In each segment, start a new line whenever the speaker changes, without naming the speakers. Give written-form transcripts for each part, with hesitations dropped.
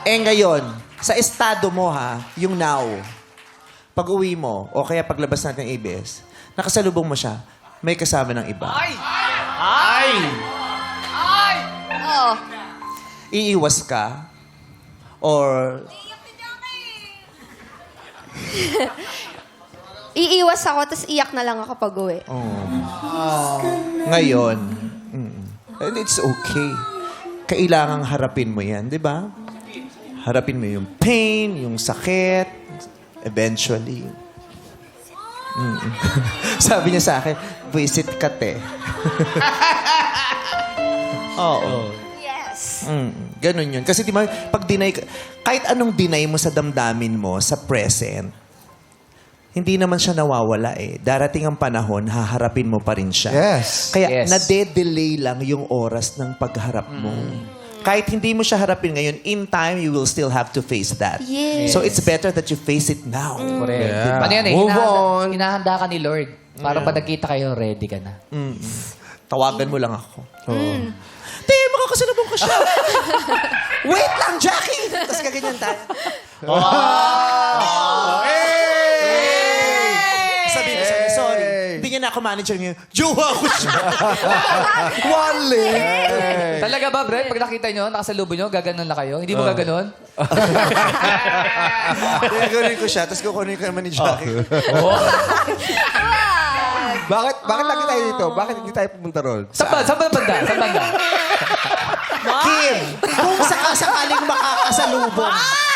Ngayon, sa estado mo ha, yung now, pag uwi mo, o kaya paglabas natin ng ABS, nakasalubong mo siya, may kasama ng iba.
Oo.
Iiwas ka, or
Iiwas ako, tapos iyak na lang ako pag uwi.
ngayon, and it's okay. Kailangang harapin mo yan, di ba? Harapin mo yung pain, yung sakit, eventually. Sabi niya sa akin, visit ka, te. Oo.
Yes.
Ganun yun. Kasi di ba, pag deny, kahit anong deny mo sa damdamin mo, sa present, hindi naman siya nawawala eh. Darating ang panahon, haharapin mo pa rin siya.
Yes.
Kaya
Yes.
nade-delay lang yung oras ng pagharap mo. Kahit hindi mo siya harapin ngayon, in time, you will still have to face that.
Yes.
So it's better that you face it now.
Correct.
Yeah.
Ano yan eh,
Move on.
hinahanda ka ni Lord. Para pag nagkita kayo, ready ka na.
Tawagan mo lang ako. Te, makakasalubong ko siya. Wait lang, Jackie! Tapos kaganyan tayo. Sabi ko sa'yo, sorry. Hindi niya na ako manager ngayon. Jowa ko siya.
Wale!
Talaga ba, Brett? Pag nakita nyo, nakasalubong nyo, gaganon na kayo? Hindi mo gaganon?
Gagawin ko siya, tapos kukunin ko naman ni Jackie.
Bakit lagi tayo dito? Bakit hindi tayo pumunta ron?
Saan banda?
Kim, kung sakasakaling makakasalubong,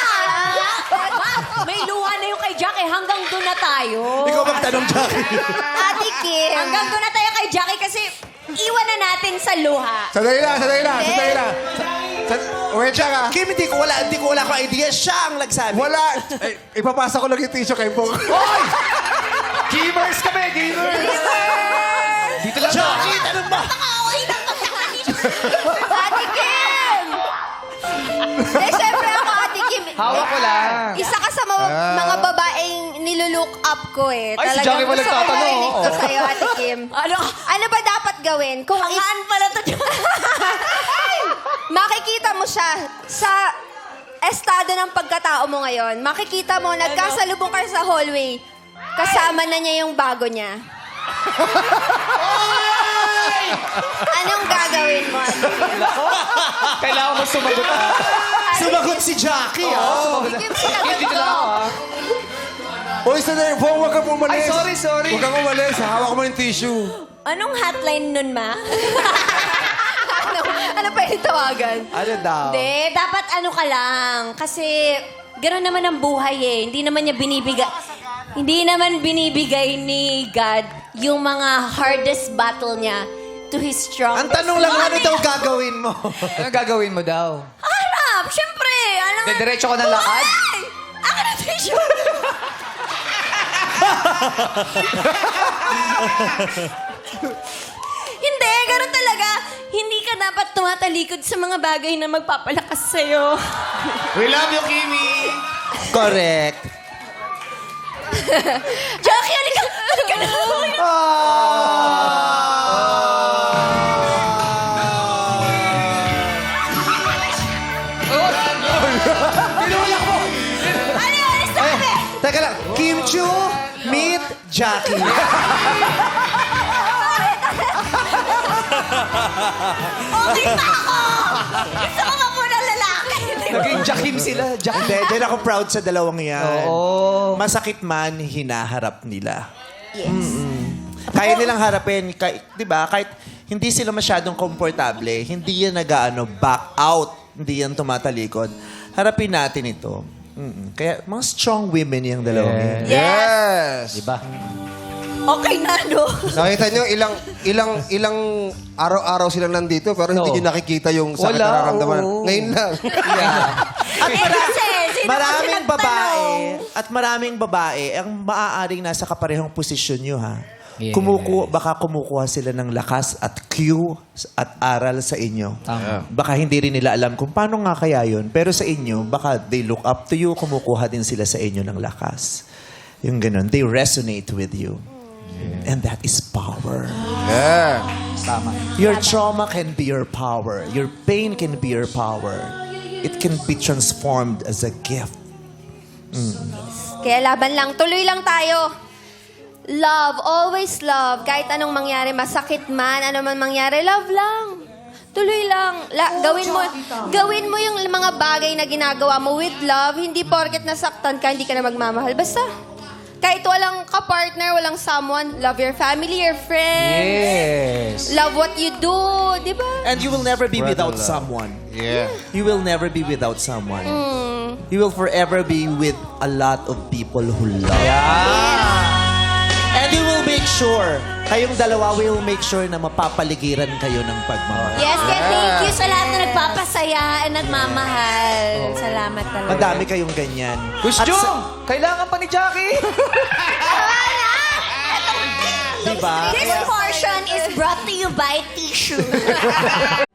May luha na yung kay Jackie. Hanggang doon na tayo.
ikaw magtanong, Jackie.
Ate Kim.
Hanggang doon na tayo kay Jackie kasi iwan na natin sa luha.
Sandali lang. Wait lang ah.
Kim, hindi ko wala akong idea. Siya ang nagsabi.
Wala. Ipapasa ko lang yung tissue kay Bong.
Gamers kami, gamers! Dito lang.
Jackie, tanong ba?
Ate Kim! Eh, syempre ako, Ate Kim.
Hawak ko lang.
Isa ka sa mga babaeng nilulook up ko eh.
Ay, si
Talagang
Jackie pala
gusto ko
nagtatanong,
marinig to
oh.
sa'yo, Ate Kim. Ano ba dapat gawin? Kung
Pangaan pala to.
makikita mo siya sa estado ng pagkatao mo ngayon. Makikita mo, nagkasalubong ka sa hallway. Kasama na niya yung bago niya. Anong gagawin mo?
Kailangan mo sumagot.
Sumagot si Jackie,
Kim, sinagot
Dito
ko.
lang ako.
Uy, sandali. Bong, huwag kang umalis.
Ay, sorry.
Huwag kang umalis. Hawak mo yung tissue.
Anong hotline nun, ma?
Ano pa yung tawagan?
Ano daw?
Hindi, dapat ano ka lang. Kasi gano'n naman ang buhay eh. Hindi naman binibigay ni God yung mga hardest battle niya to His strongest.
Ang tanong lang, ano daw gagawin mo?
Anong gagawin mo daw?
Harap! Siyempre! Alam nga.
Diretso ka ng lakad?
Ay! Akin na tissue! Hindi, gano'n talaga. Hindi ka dapat tumatalikod sa mga bagay na magpapalakas sa'yo.
We love you, Kimi!
Correct.
Jackie, halika na. Ano yun? Alis na kami!
Teka lang, Kim Chu, meet Jackie.
Okay pa ako! Gusto ko pa muna lalaki.
Naging Jakim sila.
Hindi, dyan ako proud sa dalawang yan.
Oo.
Masakit man, hinaharap nila.
Yes.
Kaya nilang harapin, di ba? Kahit hindi sila masyadong komportable, hindi yan back out, hindi yan tumatalikod. Harapin natin ito. Kaya mga strong women yung dalawang yan.
Yes.
Diba?
Okay na, no?
Nakita nyo, ilang araw-araw silang nandito pero hindi
Oo.
nyo nakikita yung sakit
Wala,
na nararamdaman.
oo.
Ngayon lang.
At
Kasi, sino
maraming
ba
babae, at maraming babae, ang maaaring nasa kaparehong posisyon nyo, ha?
Yeah.
Baka kumukuha sila ng lakas at cue at aral sa inyo.
Tama.
Baka hindi rin nila alam kung paano nga kaya yun. Pero sa inyo, baka they look up to you, kumukuha din sila sa inyo ng lakas. Yung ganun. They resonate with you. And that is power.
Yeah.
Tama.
Your trauma can be your power. Your pain can be your power. it can be transformed as a gift.
Kaya laban lang. Tuloy lang tayo. Love. Always love. Kahit anong mangyari, masakit man, ano man mangyari, love lang. Tuloy lang. Gawin mo yung mga bagay na ginagawa mo with love. Hindi porket nasaktan ka, hindi ka na magmamahal. Basta, kahit walang ka-partner, walang someone, love your family, your friends.
Yes.
Love what you do. Di ba?
And you will never be
Brother
without
love.
someone.
Yeah.
You will never be without someone. You will forever be with a lot of people who love. And you will make sure, kayong dalawa will make sure na mapapaligiran kayo ng pagmamahal.
Yes, kaya thank you sa lahat na nagpapasaya at nagmamahal. Salamat talaga.
Madami kayong ganyan.
Kuya
At
Jung, kailangan pa ni Jackie.
diba?
This portion is brought to you by Tissue.